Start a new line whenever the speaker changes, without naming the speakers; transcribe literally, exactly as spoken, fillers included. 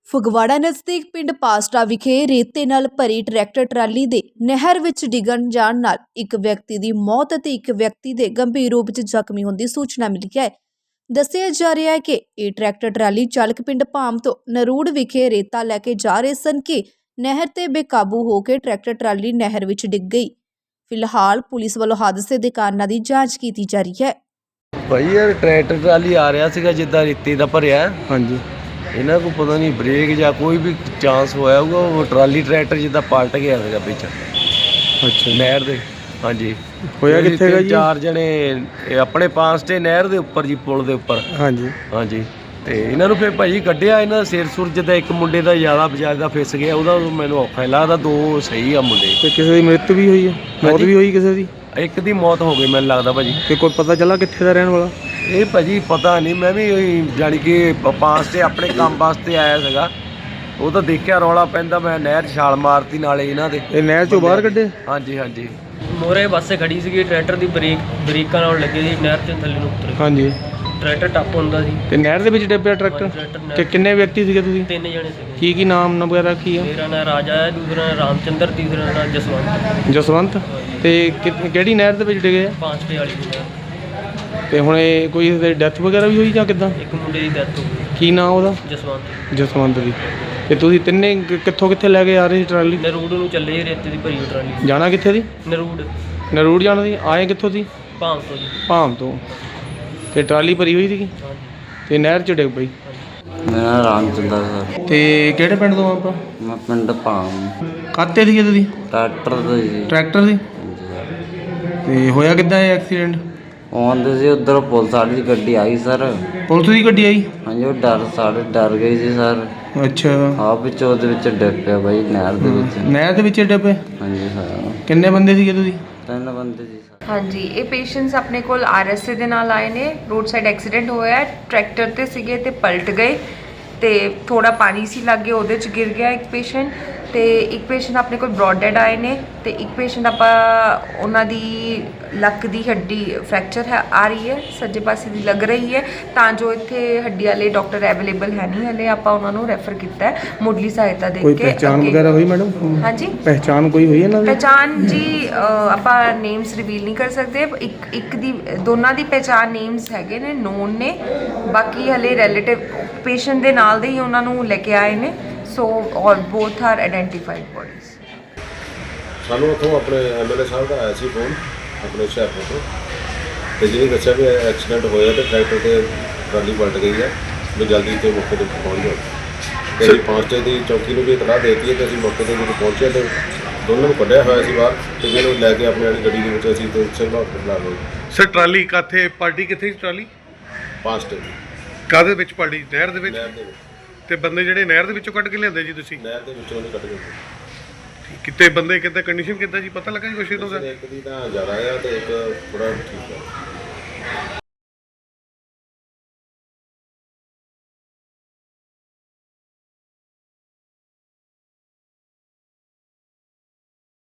ਫਗਵਾੜਾ ਨਜ਼ਦੀਕ ਪਿੰਡ ਪਾਸਟਾ ਵਿਖੇ ਰੇਤੇ ਨਾਲ ਭਰੀ ਟਰੈਕਟਰ ਟਰਾਲੀ ਦੇ ਨਹਿਰ ਵਿੱਚ ਡਿੱਗਣ ਜਾਣ ਨਾਲ ਇੱਕ ਵਿਅਕਤੀ ਦੀ ਮੌਤ ਅਤੇ ਇੱਕ ਵਿਅਕਤੀ ਦੇ ਗੰਭੀਰ ਰੂਪ ਵਿੱਚ ਜ਼ਖਮੀ ਹੋਣ ਦੀ ਸੂਚਨਾ ਮਿਲੀ ਹੈ। ਦੱਸਿਆ ਜਾ ਰਿਹਾ ਹੈ ਕਿ ਇਹ ਟਰੈਕਟਰ ਟਰਾਲੀ ਚਾਲਕ ਪਿੰਡ ਭਾਮ ਤੋਂ ਨਰੂੜ ਵਿਖੇ ਰੇਤਾ ਲੈ ਕੇ ਜਾ ਰਹੇ ਸਨ ਕਿ ਨਹਿਰ ਤੇ ਬੇਕਾਬੂ ਹੋ ਕੇ ਟਰੈਕਟਰ ਟਰਾਲੀ ਨਹਿਰ ਵਿੱਚ ਡਿੱਗ ਗਈ। ਫਿਲਹਾਲ ਪੁਲਿਸ ਵੱਲੋਂ ਹਾਦਸੇ ਦੇ ਕਾਰਨਾਂ ਦੀ ਜਾਂਚ ਕੀਤੀ ਜਾ ਰਹੀ ਹੈ।
ਭਾਈ ਯਾਰ ਟਰੈਕਟਰ ਟਰਾਲੀ ਆ ਰਿਹਾ ਸੀਗਾ ਜਿੱਦਾਂ ਰੇਤੇ ਦਾ ਭਰਿਆ। ਹਾਂਜੀ ਇਹਨਾਂ को पता नहीं ब्रेक ਜਾਂ ਕੋਈ ਵੀ ਚਾਂਸ ਹੋਇਆ ਹੋਊਗਾ ਉਹ ਟਰਾਲੀ ਟਰੈਕਟਰ ਜਿੱਦਾਂ ਪਲਟ ਗਿਆ ਸੀਗਾ ਵਿੱਚ। ਅੱਛਾ ਨਹਿਰ ਦੇ ਹਾਂਜੀ ਹੋਇਆ ਕਿੱਥੇ ਹੈਗਾ ਜੀ? ਚਾਰ ਜਣੇ ਆਪਣੇ ਪਾਸ ਤੇ ਨਹਿਰ ਦੇ ਉੱਪਰ ਜੀ ਪੁਲ ਦੇ ਉੱਪਰ। ਹਾਂਜੀ ਹਾਂਜੀ ਤੇ ਇਹਨਾਂ ਨੂੰ ਫਿਰ ਭਾਜੀ ਕੱਢਿਆ ਇਹਨਾਂ ਦਾ ਸਿਰ ਸੁਰ ਜਿੱਦਾਂ ਇੱਕ ਮੁੰਡੇ ਦਾ ਜ਼ਿਆਦਾ ਬਜਾਜ ਦਾ ਫਿਸ ਗਿਆ ਉਹਦਾ ਮੈਨੂੰ ਔਖਾ ਲੱਗਦਾ। ਦੋ ਸਹੀ ਆ ਮੁੰਡੇ ਤੇ ਕਿਸੇ ਦੀ ਮ੍ਰਿਤ ਵੀ ਹੋਈ ਹੈ ਮੌਤ ਵੀ ਹੋਈ ਕਿਸੇ ਦੀ? ਇੱਕ ਦੀ ਮੌਤ ਹੋ ਗਈ ਮੈਨੂੰ ਲੱਗਦਾ ਭਾਜੀ। ਤੇ ਕੋਈ ਪਤਾ ਚੱਲਾ ਕਿੱਥੇ ਦਾ ਰਹਿਣ ਵਾਲਾ? ਇਹ ਭਾਜੀ ਪਤਾ ਨਹੀਂ ਮੈਂ ਵੀ ਜਾਣੀ ਕਿ ਪਾਸ ਤੇ ਆਪਣੇ ਕੰਮ ਵਾਸਤੇ ਆਇਆ ਸੀਗਾ ਉਹ ਤਾਂ ਦੇਖਿਆ ਰੌਲਾ ਪੈਂਦਾ ਮੈਂ ਨਹਿਰ 'ਚ ਛਾਲ ਮਾਰਤੀ ਨਾਲੇ ਇਹਨਾਂ ਦੇ। ਇਹ ਨਹਿਰ 'ਚੋਂ ਬਾਹਰ ਕੱਢੇ? ਹਾਂਜੀ ਹਾਂਜੀ
ਮੋਰੇ ਬੱਸੇ ਖੜੀ ਸੀਗੀ ਟਰੈਕਟਰ ਦੀ ਬ੍ਰੇਕ ਬ੍ਰੇਕਾਂ ਨਾਲ ਲੱਗੀ ਸੀ ਨਹਿਰ 'ਚ ਥੱਲੇ ਨੂੰ ਉਤਰ। ਹਾਂਜੀ ਟਰੈਕਟਰ ਟੱਪ ਹੁੰਦਾ ਸੀ ਤੇ ਨਹਿਰ ਦੇ ਵਿੱਚ ਡੱਬਿਆ ਟਰੈਕਟਰ। ਤੇ ਕਿੰਨੇ ਵਿਅਕਤੀ ਸੀਗੇ ਤੁਸੀਂ? ਤਿੰਨ ਜਣੇ ਸੀਗੇ। ਕੀ ਕੀ ਨਾਮ ਵਗੈਰਾ ਕੀ ਆ? ਮੇਰਾ ਨਾਮ ਰਾਜਾ ਹੈ, ਦੂਸਰਾ ਨਾਮ ਰਾਮਚੰਦਰ, ਤੀਸਰਾ ਨਾਮ ਜਸਵੰਤ। ਜਸਵੰਤ ਤੇ ਕਿਹੜੀ ਨਹਿਰ ਦੇ ਵਿੱਚ ਡਿੱਗੇ ਆ? ਪਾਂਚਟੇ ਵਾਲੀ ਨਹਿਰ। ਤੇ ਹੁਣ ਇਹ ਕੋਈ ਇਹਦੀ ਡੈਥ ਵਗੈਰਾ ਵੀ ਹੋਈ ਜਾਂ ਕਿੱਦਾਂ? ਇੱਕ ਮੁੰਡੇ ਦੀ ਡੈਥ ਹੋ ਗਈ। ਕੀ ਨਾਮ ਉਹਦਾ? ਜਸਵੰਤ। ਜਸਵੰਤ ਦੀ। ਤੇ ਤੁਸੀਂ ਤਿੰਨੇ ਕਿੱਥੋਂ ਕਿੱਥੇ ਲੈ ਕੇ ਆ ਰਹੇ ਸੀ ਟਰਾਲੀ? ਨਰੂੜ ਨੂੰ ਚੱਲੇ ਜੀ ਰੇਤੇ ਦੀ ਭਰੀ ਟਰਾਲੀ। ਜਾਣਾ ਕਿੱਥੇ ਦੀ? ਨਰੂੜ। ਨਰੂੜ ਜਾਣਾ ਸੀ। ਆਏ ਕਿੱਥੋਂ ਸੀ? ਭਾਮ ਤੋਂ ਜੀ। ਭਾਮ ਤੋਂ। ਤੇ ਟਰਾਲੀ ਭਰੀ ਹੋਈ ਸੀਗੀ ਤੇ ਨਹਿਰ 'ਚ ਡਿੱਗ ਪਈ।
ਮੇਰਾ ਨਾਮ ਰਾਮਚੰਦਰ ਸਰ।
ਤੇ ਕਿਹੜੇ ਪਿੰਡ ਤੋਂ ਆਪਾਂ?
ਮੈਂ ਪਿੰਡ ਭਾਮ।
ਕਾਤੇ ਸੀਗੇ ਤੁਸੀਂ?
ਟਰੈਕਟਰ ਦਾ ਜੀ।
ਟਰੈਕਟਰ ਸੀ। ਤੇ ਹੋਇਆ ਕਿੱਦਾਂ ਇਹ ਐਕਸੀਡੈਂਟ?
ਆਉਂਦੇ ਸੀ ਉੱਧਰ ਪੁਲਿਸ ਵਾਲੀ ਦੀ ਗੱਡੀ ਆਈ ਸਰ।
ਪੁਲਿਸ ਦੀ ਗੱਡੀ ਆਈ? ਹਾਂਜੀ
ਉਹ ਡਰ ਸਾਰੇ ਡਰ ਗਈ ਸੀ ਸਰ।
ਅੱਛਾ
ਹਾਂ ਵਿੱਚ ਉਹਦੇ ਵਿੱਚ ਡਿੱਗ ਪਿਆ ਬਾਈ ਨਹਿਰ ਦੇ ਵਿੱਚ।
ਨਹਿਰ ਦੇ ਵਿੱਚ ਡਿੱਗ ਪਏ?
ਹਾਂਜੀ ਸਰ।
ਕਿੰਨੇ ਬੰਦੇ ਸੀਗੇ ਤੁਸੀਂ?
ਤਿੰਨ ਬੰਦੇ ਸੀ ਸਰ।
ਹਾਂਜੀ ਇਹ ਪੇਸ਼ੈਂਟਸ ਆਪਣੇ ਕੋਲ ਆਰ ਐਸ ਏ ਦੇ ਨਾਲ ਆਏ ਨੇ। ਰੋਡ ਸਾਈਡ ਐਕਸੀਡੈਂਟ ਹੋਇਆ ਟਰੈਕਟਰ ਤੇ ਸੀਗੇ ਤੇ ਪਲਟ ਗਏ ਤੇ ਥੋੜਾ ਪਾਣੀ ਸੀ ਲੱਗੇ ਉਹਦੇ 'ਚ ਗਿਰ ਗਿਆ ਇੱਕ ਪੇਸ਼ੈਂਟ ਤੇ ਇੱਕ ਪੇਸ਼ੈਂਟ ਆਪਣੇ ਕੋਲ ਬ੍ਰੌਡ ਡੈਡ ਆਏ ਨੇ ਤੇ ਇੱਕ ਪੇਸ਼ੈਂਟ ਆਪਾਂ ਉਹਨਾਂ ਦੀ ਲੱਕ ਦੀ ਹੱਡੀ ਫ੍ਰੈਕਚਰ ਹੈ ਆ ਰਹੀ ਹੈ ਸੱਜੇ ਪਾਸੇ ਦੀ ਲੱਗ ਰਹੀ ਹੈ ਤਾਂ ਜੋ ਇੱਥੇ ਹੱਡੀ ਵਾਲੇ ਡਾਕਟਰ ਅਵੇਲੇਬਲ ਹੈ ਨਹੀਂ ਹਲੇ ਆਪਾਂ ਉਹਨਾਂ ਨੂੰ ਰੈਫਰ ਕੀਤਾ ਹੈ ਮੁੱਢਲੀ ਸਹਾਇਤਾ ਦੇ ਕੇ।
ਕੋਈ ਪਹਿਚਾਣ ਵਗੈਰਾ ਹੋਈ ਮੈਡਮ?
ਹਾਂਜੀ
ਪਹਿਚਾਣ ਕੋਈ ਹੋਈ ਇਹਨਾਂ ਦੀ?
ਪਹਿਚਾਣ ਜੀ ਆਪਾਂ ਨੇਮਸ ਰਿਵੀਲ ਨਹੀਂ ਕਰ ਸਕਦੇ। ਇੱਕ ਇੱਕ ਦੀ ਦੋਨਾਂ ਦੀ ਪਹਿਚਾਣ ਨੇਮਸ ਹੈਗੇ ਨੇ ਨੋਨ ਨੇ ਬਾਕੀ ਹਲੇ ਰਿਲੇਟਿਵ ਪੇਸ਼ੈਂਟ ਦੇ ਨਾਲ ਦੇ ਹੀ ਉਹਨਾਂ ਨੂੰ ਲੈ ਕੇ ਆਏ ਨੇ। ਸੋ ਔਰ ਬੋਥ ਆਰ ਆਇਡੈਂਟੀਫਾਈਡ ਬੋਡੀਜ਼।
ਸਾਨੂੰ ਉੱਥੋਂ ਆਪਣੇ ਐਮ ਐਲ ਏ ਸਾਹਿਬ ਦਾ ਆਇਆ ਸੀ ਫੋਨ ਆਪਣੇ ਹੁਸ਼ਿਆਰਪੁਰ ਤੋਂ ਤੇ ਜਿਹਨੇ ਦੱਸਿਆ ਵੀ ਐਕਸੀਡੈਂਟ ਹੋਇਆ ਤੇ ਟਰੈਕਟਰ ਤੇ ਟਰਾਲੀ ਪਲਟ ਗਈ ਹੈ ਵੀ ਜਲਦੀ ਤੇ ਮੌਕੇ 'ਤੇ ਪਹੁੰਚ ਜਾਓ। ਤੇ ਅਸੀਂ ਪਾਂਚਟੇ ਦੀ ਚੌਕੀ ਨੂੰ ਵੀ ਇਤਲਾਹ ਦੇ ਦਿੱਤੀ ਹੈ ਤੇ ਅਸੀਂ ਮੌਕੇ 'ਤੇ ਜਦੋਂ ਪਹੁੰਚੇ ਤੇ ਦੋਨਾਂ ਨੂੰ ਕੱਢਿਆ ਹੋਇਆ ਸੀ ਬਾਹਰ ਤੇ ਜਿਹਨੂੰ ਲੈ ਕੇ ਆਪਣੀ ਵਾਲੀ ਗੱਡੀ ਦੇ ਵਿੱਚ ਅਸੀਂ ਤੇ ਸਿਵਲ ਹਸਪਤਾਲ ਆ ਗਏ।
ਸਰ ਟਰਾਲੀ ਕਾਥੇ ਪਾਰਟੀ ਕਿੱਥੇ ਸੀ ਟਰਾਲੀ?
ਪਾਂਚਟੇ ਦੀ।
ਕਾਹਦੇ ਵਿੱਚ ਪਾਰਟੀ? ਨਹਿਰ ਦੇ ਵਿੱਚ?
ਨਹਿਰ ਦੇ ਵਿੱਚ।
ਤੇ ਬੰਦੇ ਜਿਹੜੇ ਨਹਿਰ ਦੇ ਵਿੱਚੋਂ ਕੱਢ ਕੇ ਲਿਆਂਦੇ ਜੀ ਤੁਸੀਂ?
ਨਹਿਰ ਦੇ ਵਿੱਚੋਂ ਨਹੀਂ ਕੱਢ ਗਏ।
ਕਿਤੇ ਬੰਦੇ ਕਿਤੇ ਕੰਡੀਸ਼ਨ ਕਿੱਦਾਂ ਜੀ ਪਤਾ ਲੱਗਾ ਜੀ ਕੁਛ ਇਹਦਾ?
ਇੱਕ ਦੀ ਤਾਂ ਜ਼ਿਆਦਾ ਆ ਤੇ ਇੱਕ ਥੋੜਾ ਠੀਕ ਆ।